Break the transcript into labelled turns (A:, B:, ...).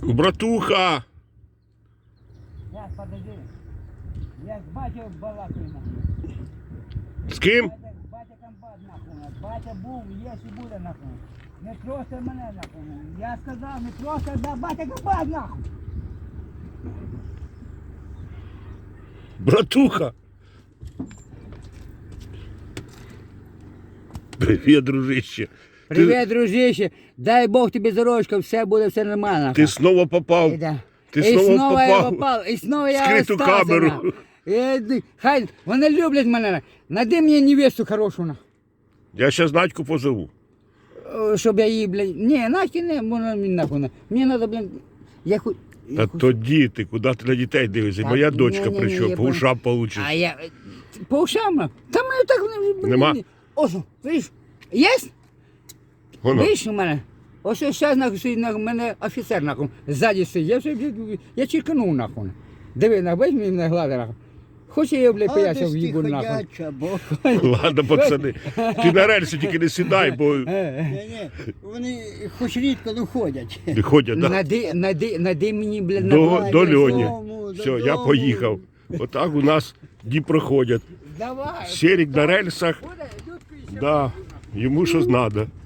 A: Братуха!
B: Сейчас, подожди. Я с батьком балакаю нахуй.
A: З ким?
B: Батя комбат нахуй. Батя був, є і буде нахуй. Не трости мене нахуй. Я сказав, не трости, да батя комбат нахуй.
A: Братуха! Привіт, дружище.
B: Привіт, дружище. Дай Бог тобі здоров'ячка, все буде, все нормально.
A: Ти знову попав. Ти
B: І
A: знову
B: знову я
A: попав.
B: попав, і знову я
A: Скриту
B: остався,
A: камеру.
B: нахуй. Хай, вони люблять мене. Найди мені невесту хорошу, нахуй.
A: Я ще Надьку позову.
B: Щоб я її, блядь, ні, Надьки не, вона мені нахуй. Мені треба, блядь, я хоч...
A: Та тоді ти, куди ти на дітей дивишся?
B: Так,
A: Моя дочка
B: ні,
A: прийшов,
B: я
A: по
B: понял.
A: ушам получиш.
B: А я, по ушам, нахуй. Та мене так, блядь,
A: Нема?
B: Ось, видиш, є?
A: Воно.
B: Видиш у мене? Ось зараз, нахуй, стоїть, нахуй, мене офіцер, нахуй, ззаді стоїть. Я вже, я чирканув, нахуй. Диви, нахуй, візьми мене глади, нахуй. Хоче я, блядь, поясав в їбу, нахуй.
A: Ладно, пацани. Ти на рельси тільки не сідай, бо
C: Ні, вони хоч рідко не ходять.
A: не ходять, да?
B: Найди мені, блядь,
A: До Льоні.
C: Додому,
A: Все, я
C: додому.
A: поїхав. Отак у нас дні проходять.
B: Давай.
A: Серік на рельсах,
B: Буде, Людку, ще
A: да, йому щось треба.